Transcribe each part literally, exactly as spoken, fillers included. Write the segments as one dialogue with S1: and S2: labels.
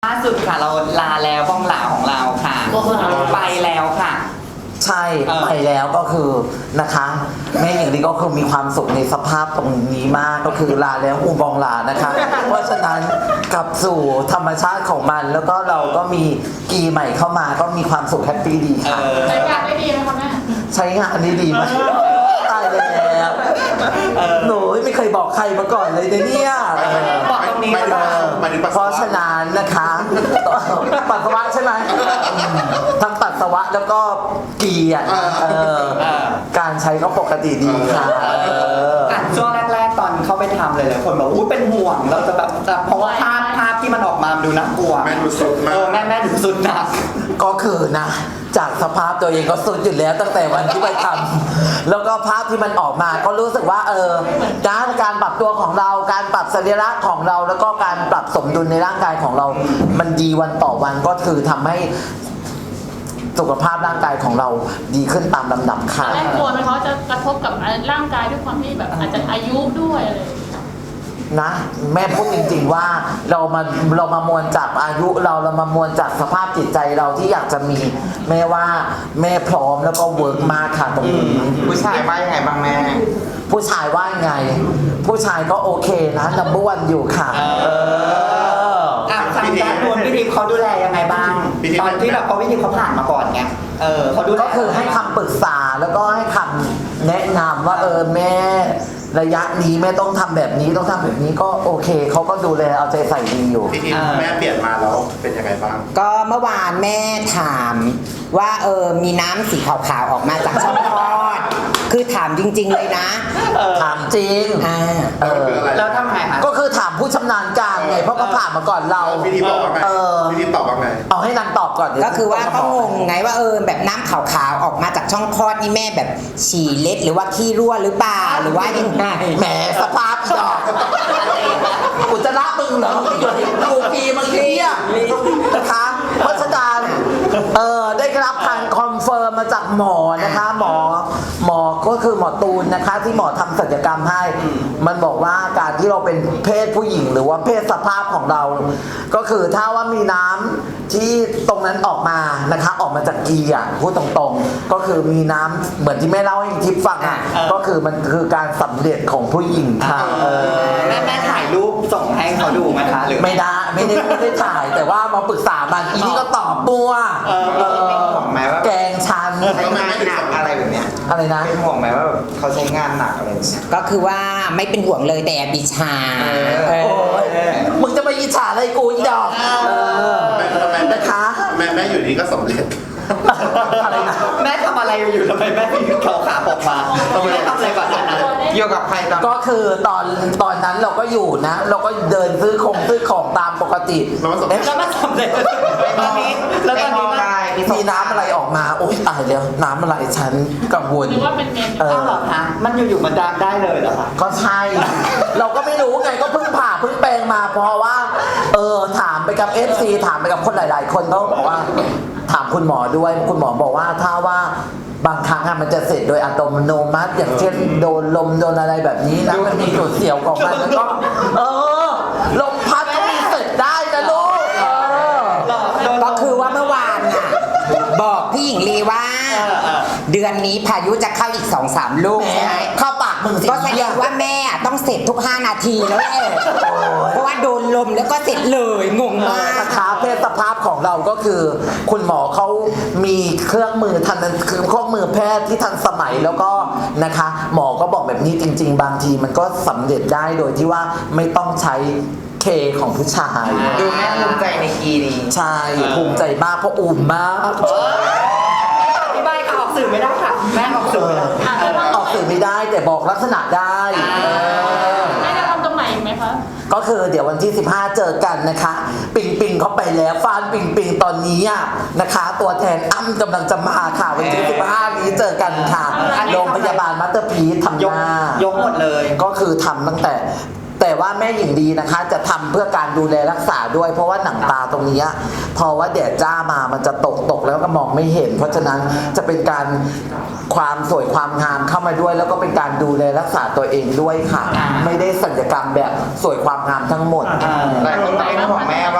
S1: ล่าสุดค่ะเราลาแล้วบ้องหลาของเราค่ะไปแล้วค่ะ
S2: ใช่ไปแล้วก็คือนะคะแม่อย่างนี้ก็คือมีความสุขในสภาพตรงนี้มากก็คือลาแล้วอูบองลานะคะเพราะฉะนั้นกลับสู่ธรรมชาติของมันแล้วก็เราก็มีกีใหม่เข้ามาก็มีความสุขแฮปปี้ดีค่ะ
S3: ใช้งานได้ดีไหมคะแม่
S2: ใช้งานนี้ดีไหมตายแล้วหนูไม่เคยบอกใครมาก่อนเลยเนี่ย
S1: บอกตรงนี้
S2: เพราะฉะนั้นนะคะปัสสาวะใช่ไหมทั้งปัสสาวะแล้วก็กีอ่ะการใช้ก็ปกติดีค่ะ
S1: ช่วงแรกๆตอนเข้าไปทำเลยเลยคนบอกอู้เป็นห่วงเราจะแบบเพราะว่าภาพภาพที่มันออกมาดูน่ากลัว
S4: แม่ดูสุดมาก
S1: แม่แม่ดูสุดหนัก
S2: ก็คือนะจากสภาพตัวเองก็สุดอยู่แล้วตั้งแต่วันที่ไปทำแล้วก็ภาพที่มันออกมาก็รู้สึกว่าเออการการปรับตัวของเราการปรับสรีระของเราแล้วก็การปรับสมดุลในร่างกายของเรามันดีวันต่อวันก็คือทำให้สุขภาพร่างกายของเราดีขึ้นตามลำดับค่ะ
S3: แม่กลัวไหมเขาจะกระทบกับร่างกายด้วยความที่แบบอาจจะอายุด้วยอะไร
S2: นะแม่พูดจริงๆว่าเรามาเรามามวลจากอายุเราเรามามวลจากสภาพจิตใจเราที่อยากจะมีแม่ว่าแม่พร้อมแล้วก็เวิร์กมากค่ะตรงนี้
S1: ผู้ชายว่ายังไงบ้างแม่
S2: ผู้ชายว่ายังไงผู้ชายก็โอเคนะนัมเบอร์วันอยู่ค่ะเออ
S1: อ่ะทางด้านนู้นพี่ทีมเขาดูแลยังไงบ้างตอนที่แบบเขาพี่ทีมเขาผ่านมาก่อนไงเออเขาดู
S2: ก็คือให้คำปรึกษาแล้วก็ให้คำแนะนำว่าเออแม่ระยะนี้แม่ต้องทำแบบนี้ต้องทำแบบนี้ก็โอเคเขาก็ดูแลเอาใจใส่ดีอยู่
S4: พี่ทีมแม่เปลี่ยนมาแล้วเป็นยังไงบ้าง
S5: ก็เมื่อวานแม่ถามว่าเออมีน้ำสีขาวๆออกมาจากช่องคลอดคือถามจริงๆเลยนะ
S2: ถามจริง
S5: อ่า
S2: เออ
S1: แล้วทำไงคะ
S2: ก็คือถามผู้ชำนาญการไงเพราะเขาผ่านมาก่อนเรา
S4: พี่ทีมบอกว่าไงพี่ทีมตอบว่าไง
S2: เอาให้นางตอบก่อน
S5: ก็คือว่าก็งงไงว่าเออแบบน้ำขาวๆออกมาจากช่องคลอดนี่แม่แบบฉี่เล็ดหรือว่าขี้รั่วหรือเปล่าหรือว่ายังไง
S2: แหมสภาพดอกอุจจาระมึงเหรอกูปีมึงเที่ยนะคะเพราะฉะนั้นเออได้รับการคอนเฟิร์มมาจากหมอนะคะหมอหมอก็คือหมอตูนนะคะที่หมอทำศัลยกรรมให้มันบอกว่าการที่เราเป็นเพศผู้หญิงหรือว่าเพศสภาพของเราก็คือถ้าว่ามีน้ำที่ตรงนั้นออกมานะคะออกมาจากกีอ่ะพูดตรงๆก็คือมีน้ำเหมือนที่แม่เล่าให้ทิพย์ฟังอ่ะก็คือมันคือการสำเร็จของผู้หญิงค่ะ
S1: แม่แม่ถ่ายรูปส่งให้เขาดูไหมคะหรือ
S2: ไม่ได้ไม่ได้ไม่ได้ถ่ายแต่ว่ามาปรึกษามันอีนี่ก็ตอบปัว
S1: เป็นห่วงไหมว่า
S2: แกงชัน
S1: ใช้งานหนักอะไรแบบเนี้ย
S2: อะไรนะ
S1: เป็นห่วงไหมว่าเขาใช้งานหนักอะไร
S5: ก็คือว่าไม่เป็นห่วงเลยแต่บิชา
S2: มึงจะมาอิจฉาอะไรกูอีดอกนะคะ
S4: แม่แม่อยู่นี่ก็สำเร็จ
S1: อะไรนะแม่ทำอะไรอยู่ทำไมแม่ถึงเขาขาออกมาแม่ทำอะไรก่อนนั้นอยู่กับใครตอน
S2: ก็คือตอนตอนนั้นเราก็อยู่นะเราก็เดินซื้อของซื้อของตามปกติ
S1: แล้วมาสำเร็จตอนนี้แล้วตอนนี้
S2: มีน้ำอะไรออกมาโอ๊ยตายแล้วน้ำอะไรฉันกังวล
S3: หรือว่าเป็นเมน
S1: เออเหรอคะมันอยู่ๆมันดังได้เลยเหรอคะ
S2: ก็ใช่เราก็ไม่รู้ไงก็เพิ่งผ่าเพิ่งแปลงมาเพราะว่าเออถามไปกับ เอฟ ซี ถามไปกับคนหลายๆคนเขาบอกว่าถามคุณหมอด้วยคุณหมอบอกว่าถ้าว่าบางครั้งมันจะเสร็จโดยอัตโนมัติอย่างเช่นโดนลมโดนอะไรแบบนี้นะมันมีจุดเสียวของมันแล้วก็เออลมพัดก็มีเสร็จได้นะลูก
S5: ก็คือว่าเมื่อวานน่ะบอกพี่หญิงลีว่าเดือนนี้พายุจะเข้าอีก สองสาม ลูกใช่ไหม
S2: เข้าปากมึงสิ
S5: ก็แสดงว่าแม่ต้องเสร็จทุกห้านาทีแล้วแหละเพราะว่าโดนลมแล้วก็เสร็จเลยงงมาก
S2: นะคะเพศสภาพของเราก็คือคุณหมอเขามีเครื่องมือทันคือเครื่องมือแพทย์ที่ทันสมัยแล้วก็นะคะหมอก็บอกแบบนี้จริงๆบางทีมันก็สำเร็จได้โดยที่ว่าไม่ต้องใช้เคของผู้ชาย
S1: ดูแม่ภูมิใจในคีนี้
S2: ใช่ภูมิใจมากเพราะอุ่มมาก
S1: ที่บ้านออกสื่อไม่ได้ค่ะแม่ออกสื่อ
S2: ออกสื่อไม่ได้แต่บอกลักษณะได้
S3: แม่จะทำตรงไหนไหมคะ
S2: ก็คือเดี๋ยววันที่สิบห้าเจอกันนะคะปิงปิงเขาไปแล้วฟานปิงปิงตอนนี้นะคะตัวแทนอ้ำกำลังจะมาค่ะวันที่สิบห้านี้เจอกันค่ะโรงพยาบาลมัตเตอร์พีททำหน้
S1: ายกหมดเลย
S2: ก็คือทำตั้งแต่แต่ว่าแม่หญิงดีนะคะจะทำเพื่อการดูแลรักษาด้วยเพราะว่าหนังตาตรงนี้พอว่าแดดจ้ามามันจะตกตกแล้วก็มองไม่เห็นเพราะฉะนั้นจะเป็นการความสวยความงามเข้ามาด้วยแล้วก็เป็นการดูแลรักษาตัวเองด้วยค่ะไม่ได้ศัลยกรรมแบบสวยความงามทั้งหมด
S1: หลายคนเป็นห่วงแม่ว่าแบบเอา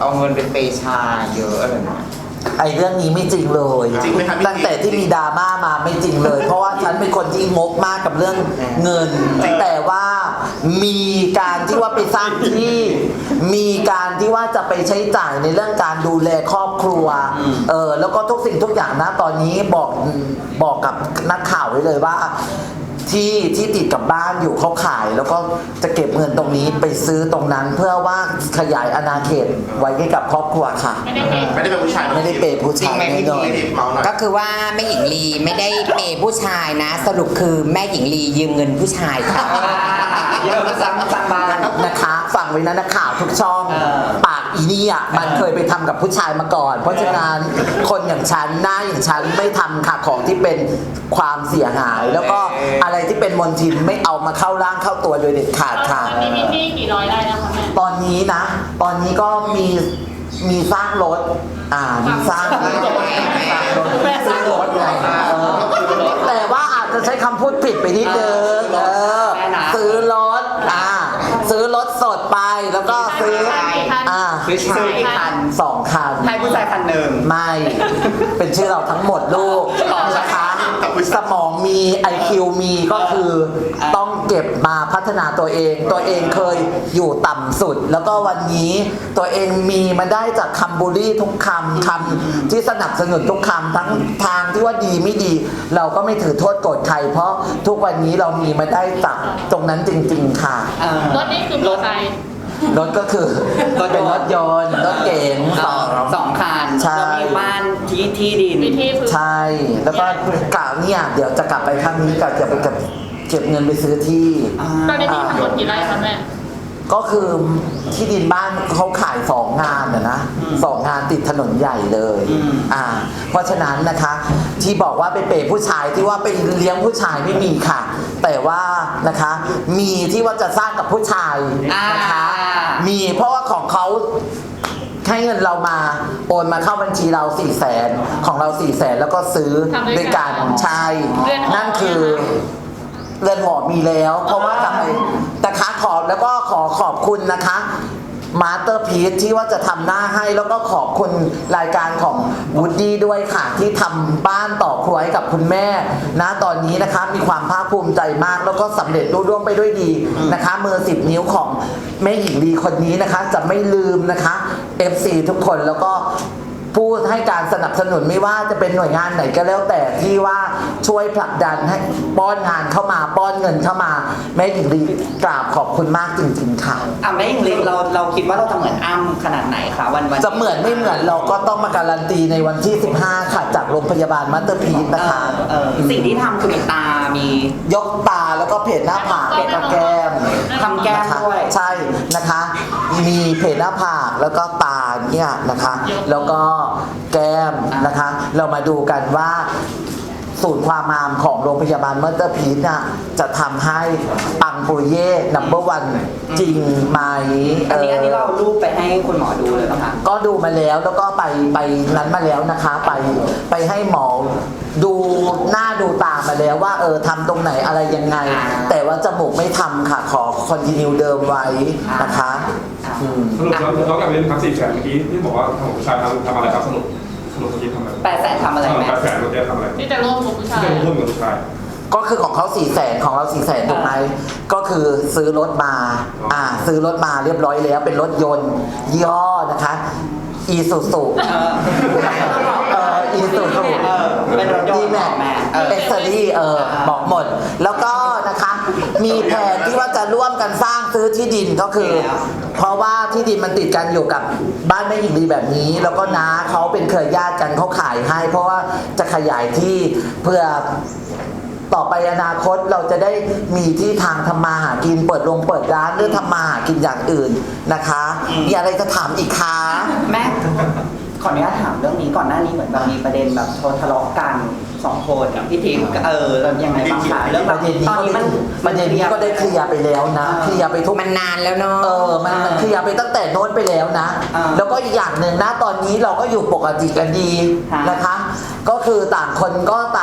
S5: เอาเงินไปเปย์ชายเยอะอะไรนะ
S2: ไอ้เรื่องนี้ไม่จริงเลย
S4: จริงไหมครับพี่
S2: ตั้งแต่ที่มีดราม่ามาไม่จริงเลย เพราะว่าฉันเป็นคนที่งกมากกับเรื่องเงิน แต่ว่ามีการที่ว่าไปสร้างที่ มีการที่ว่าจะไปใช้จ่ายในเรื่องการดูแลครอบครัว เออแล้วก็ทุกสิ่งทุกอย่างนะตอนนี้บอกบอกกับนักข่าวไว้เลยว่า ที่ที่ติดกับบ้านอยู่เขาขาย แล้วก็จะเก็บเงินตรงนี้ไปซื้อตรงนั้น เพื่อว่าขยายอาณาเขตไว้ให้กับครอบครัวค่ะ
S3: ไม่ได้เห็น
S4: ไม่ได้เป็นผู้ชาย
S2: ไม่ได้เปย์ผู้
S5: จริง
S2: ชาย
S5: ไหม
S2: แน่
S5: พี่
S2: นอน
S5: พี
S4: เมาหน่อย
S5: ก็คือว่าแม่หญิงลีไม่ได้เปย์ผู้ชายนะ สรุปคือแม่หญิงลียืมเงินผู้ชายค่ะ
S1: เยอะมาซ้ำซ้ำบ้าน
S2: นะคะฟังไว้นะนักข่าวทุกช่อง
S1: เออ
S2: ปากอีนี่อ่ะมันเคยไปทำกับผู้ชายมาก่อน เพราะฉะนั้นคนอย่างฉันหน้าอย่างฉันไม่ทำค่ะของที่เป็นความเสียหาย แล้วก็อะไรที่เป็นมลทินไม่เอามาเข้าร่างเข้าตัวโดยเด็ดขาดค่ะ
S3: ตอนนี้มีที่กี่ร้อยไร่แล้วคะแม่
S2: ตอนนี้นะ ตอนนี้ก็มีมีสร้างรถ อ่า มีสร้างรถแม่สร้างรถไงเออแต่ว่าอาจจะใช้คำพูดผิดไปนิดนึงเออซื้อรถ อ่า ซื้อรถสดไปแล้วก็ซื้อ อ่า
S1: ซื้อชายอีกคัน
S2: สองคัน
S1: ให้ผู้ชายคันหนึ่ง
S2: ไม่ เป็นชื่อเราทั้งหมดลูกนะคะ สมองมี ไอ คิว มีก็คือต้องเก็บมาพัฒนาตัวเอง ตัวเองเคยอยู่ต่ำสุด แล้วก็วันนี้ตัวเองมีมาได้จากคำบูลลี่ทุกคำคำที่สนับสนุนทุกคำทั้งทางที่ว่าดีไม่ดี เราก็ไม่ถือโทษโกรธใคร เพราะทุกวันนี้เรามีมาได้จากตรงนั้นจริง ๆ ค่ะ
S1: เออ
S3: รถนี่คือมอเตอร์ไซค์
S2: รถก็คือเป็นรถยนต์รถเก๋งสอง
S1: สองคัน
S2: ใช่
S1: แล้วมีบ้านที่ที่ดิน
S3: มีที่พื้น
S2: ใช่ แล้วก็กะเนี่ยเดี๋ยวจะกลับไปครั้งนี้กะจะไปกับเก็บเงินไปซื้อที่
S1: อ่า
S3: ตอนนี้ที่ทั้งหมดกี่ไร่คะแม่
S2: ก็คือที่ดินบ้านเขาขายสองงานนะนะสองงานติดถนนใหญ่เลย
S1: อืม
S2: อ่า เพราะฉะนั้นนะคะ ที่บอกว่าไปเปย์ผู้ชายที่ว่าไปเลี้ยงผู้ชายไม่มีค่ะ แต่ว่านะคะ มีที่ว่าจะสร้างกับผู้ชายนะคะ มีเพราะว่าของเขาให้เงินเรามาโอนมาเข้าบัญชีเราสี่แสนของเราสี่แสนแล้วก็ซื้อด้วยกันใช่นั่นคือเรือนหอมีแล้ว เพราะว่าทำไมนะคะขอบแล้วก็ขอขอบคุณนะคะมาสเตอร์พีซที่ว่าจะทำหน้าให้แล้วก็ขอบคุณรายการของวูดดี้ด้วยค่ะ ที่ทำบ้านต่อครัวให้กับคุณแม่นะตอนนี้นะคะมีความภาคภูมิใจมาก แล้วก็สำเร็จรุ่ร่วงไปด้วยดีนะคะมือสิบนิ้วของแม่หญิงลีคนนี้นะคะ จะไม่ลืมนะคะ เอฟ ซี ทุกคนแล้วก็ผู้ให้การสนับสนุนไม่ว่าจะเป็นหน่วยงานไหนก็แล้วแต่ที่ว่าช่วยผลักดันให้ป้อนงานเข้ามาป้อนเงินเข้ามาแม่หญิงลีกราบขอบคุณมากจริงๆค่ะ
S1: อ่ะแม่หญิงลีเราเราคิดว่าเราจะเหมือนอ้ำขนาดไหนคะวันวัน
S2: จะเหมือนไม่เหมือนเราก็ต้องมาการันตีในวันที่ สิบห้า ค่ะ จากโรงพยาบาลมัตเตอร์พีซ
S1: เอ
S2: นะคะ
S1: อเออสิ่งที่ทำคือมีตา มี
S2: ยกตาแล้วก็เพจหน้าผากเพจแก้ม
S1: ทำแก้ม
S2: นะคะ
S1: ด้วย
S2: ใช่นะคะ มีเพจหน้าผากแล้วก็ตาเนี่ยนะคะ แล้วก็แก้มนะคะ เรามาดูกันว่าศูนย์ความงามของโรงพยาบาลมัตเตอร์พีซน่ะจะทำให้ปังปุริเย่นัมเบอร์วันจริงไหม
S1: อันนี้อันนี้
S2: เ
S1: เราเอารูปไปให้คุณหมอดูเลยนะคะ
S2: ก็ดูมาแล้วแล้วก็ไปไปนั้นมาแล้วนะคะ ไปไปให้หมอดูหน้าดูตามาแล้วว่าเออทำตรงไหนอะไรยังไง
S1: อ่า
S2: แต่ว่าจมูกไม่ทำค่ะ ขอคอนติเนียเดิมไว้นะคะอืม
S6: สรุปแล้วเรากลับไปเรื่องครับสี่แสนเมื่อกี้ที่บอกว่าทางของผู้ชายทำทำอะไรครับสรุปสรุปเมื่อกี้ทำอะไร
S1: แปดแสนทำอะไรแม่
S6: แปดแสนเมื่อกี้ทำอะไร
S3: ที่จะร่วมกับผู้ชาย
S6: ที่จะร่วมกับผู้ชาย
S2: ก็คือของเขาสี่แสนของเราสี่แสนถูกไหมก็คือซื้อรถมาอ่าซื้อรถมาเรียบร้อยแล้วเป็นรถยนต์ยี่ห้อนะคะอีซูซู
S1: เออ
S2: เอออีซูซู
S1: เออเป็นรถยนต์
S2: ดีแม็ก
S1: แม่เออ
S2: เอ็กซ์รี่เออบอกหมด แล้วก็นะคะมีแผนที่ว่าจะร่วมกันสร้างซื้อที่ดินก็คือ เพราะว่าที่ดินมันติดกันอยู่กับบ้านแม่หญิงดีแบบนี้ แล้วก็น้าเขาเป็นเครือญาติกันเขาขายให้ เพราะว่าจะขยายที่เพื่อต่อไปอนาคตเราจะได้มีที่ทางทำมาหากินเปิดโรงเปิดร้านหรือทำมาหากินอย่างอื่นนะคะมีอะไรจะถามอีกคะ
S1: แม่ขออนุญาตถามเรื่องนี้ก่อนหน้านี้เหมือนแบบมีประเด็นแบบโทรทะเลาะกันสองคนกับพี่ทิพย์เออแล้วยังไงบ้างคะเรื่อง
S2: ป
S1: แบบ
S2: ระเด็นนี้
S1: ตอน
S2: ก็
S1: นี้
S2: ได้
S1: มัน
S2: ประเด็นนี้ก็ได้เคลียร์ไปแล้วนะเคลียร์ไปทุก
S5: มันนานแล้วเนาะ
S2: เออ มันมันเคลียร์ไปตั้งแต่โน้นไปแล้วนะ
S1: อ่า
S2: แล้วก็อีกอย่างหนึ่งนะ ตอนนี้เราก็อยู่ปกติกันดี
S1: ค่ะ
S2: นะคะ ก็คือต่างคนก็ต่าง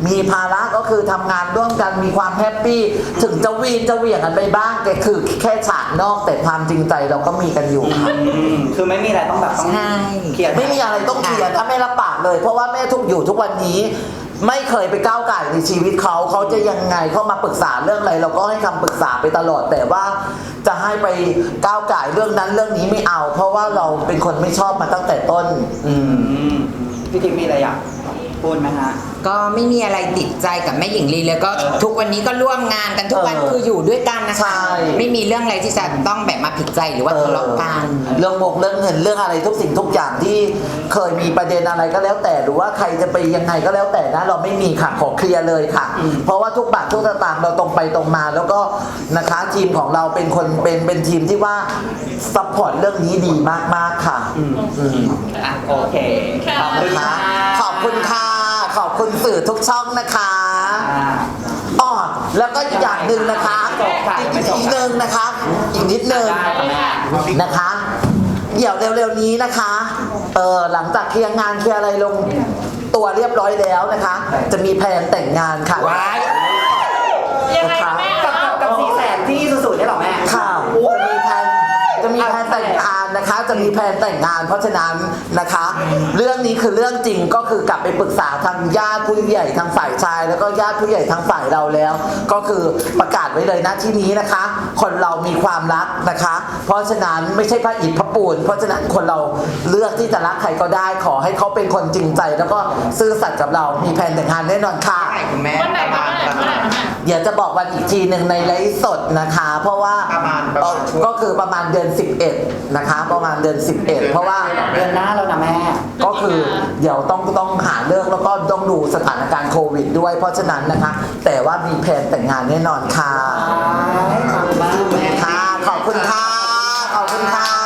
S2: มีภาระก็คือทำงานร่วมกันมีความแฮปปี้ถึงจะวีนจะเหวี่ยงกันไปบ้างแต่คือแค่ฉากนอกแต่ความจริงใจเราก็มีกันอยู่ค่ะ
S1: อืมคือไม่มีอะไรต้องแบบต้อง
S5: ใช่
S1: เคลียร์
S2: ไม่มีอะไรต้องเคลียร์ถ้าแม่รับปากเลย เพราะว่าแม่ทุกอยู่ทุกวันนี้ ไม่เคยไปก้าวไก่ในชีวิตเขาเขาจะยังไงเขามาปรึกษาเรื่องอะไรเราก็ให้คำปรึกษาไปตลอดแต่ว่าจะให้ไปก้าวไก่เรื่องนั้นเรื่องนี้ไม่เอา เพราะว่าเราเป็นคนไม่ชอบมาตั้งแต่ต้น อืม
S1: อืมพี่ทิพย์มีอะไรอยากพูดไหมฮะ
S5: ก็ไม่มีอะไรติดใจกับแม่หญิงลีเลยก็ทุกวันนี้ก็ร่วมงานกันทุกวัน
S2: เออ
S5: คืออยู่ด้วยกันนะ
S2: ใช่
S5: คะไม่มีเรื่องอะไรที่จะต้องแบบมาผิดใจหรือว่าทะเลาะกัน
S2: เรื่องงกเรื่องเงินเรื่องอะไรทุกสิ่งทุกอย่างที่เคยมีประเด็นอะไรก็แล้วแต่หรือว่าใครจะไปยังไงก็แล้วแต่นะเราไม่มีค่ะขอเคลียร์เลยค่ะ เพราะว่าทุกบาททุกสตางค์เราตรงไปตรงมา แล้วก็นะคะทีมของเราเป็นคนเป็นเป็นทีมที่ว่าซัพพอร์ตเรื่องนี้ดีมากๆค่ะอืม
S1: อ่ะโอเค ขอบคุณ
S2: นะคะ
S1: ค่ะ
S2: ขอบคุณค่ะขอบคุณสื่อทุกช่องนะคะ
S1: อ่า
S2: อ๋อแล้วก็อีกอย่างหนึ่งนะคะ
S1: จบค่ะ
S2: อีก
S1: ไม่จบ
S2: อีกนึงนะคะ อีกนิดนึง
S1: ได้ค่ะแม่
S2: นะคะ เดี๋ยวเร็วๆนี้นะคะเออหลังจากเคลียร์งานเคลียร์อะไรลงตัวเรียบร้อยแล้วนะคะ จะมีแผนแต่งงานค่ะ
S5: ว้าย
S3: ยังไงคะแม่
S1: กับกับกับสี่แสนที่สุดๆนี่หรอแม่
S2: ข่าวจะมีแผนจะมีแผนแต่งงานนะคะ จะมีแผนแต่งงาน เพราะฉะนั้นนะคะ เรื่องนี้คือเรื่องจริงก็คือกลับไปปรึกษาทางญาติผู้ใหญ่ทางฝ่ายชาย แล้วก็ญาติผู้ใหญ่ทางฝ่ายเราแล้ว ก็คือประกาศไว้เลยนะที่นี้นะคะ คนเรามีความรักนะคะ เพราะฉะนั้นไม่ใช่พระอิฐพระปูนเพราะฉะนั้นคนเราเลือกที่จะรักใครก็ได้ ขอให้เขาเป็นคนจริงใจ แล้วก็ซื่อสัตย์กับเรามีแผนแต่งงานแน่นอนค่ะ
S5: คุณแม่
S3: วันไหนคะวันไหนวันไหนคะแม่
S2: เดี๋ยวจะบอกวันอีกทีหนึ่งในไลฟ์สดนะคะ เพราะว่า
S4: ประมาณประมาณ
S2: ก็คือประมาณเดือนสิบเอ็ดนะคะ ประมาณเดือนสิบเอ็ดเพราะว่า
S1: เดือนหน้าแล้วนะแม่
S2: ก็คือเดี๋ยวต้องต้องหาเรื่องแล้วก็ต้องดูสถานการณ์โควิดด้วย เพราะฉะนั้นนะคะ แต่ว่ามีแผนแต่งงานแน่นอนค่ะ
S1: ขอบคุณมากแม่
S2: ค่ะ ขอบคุณค่ะ ขอบคุณค่ะ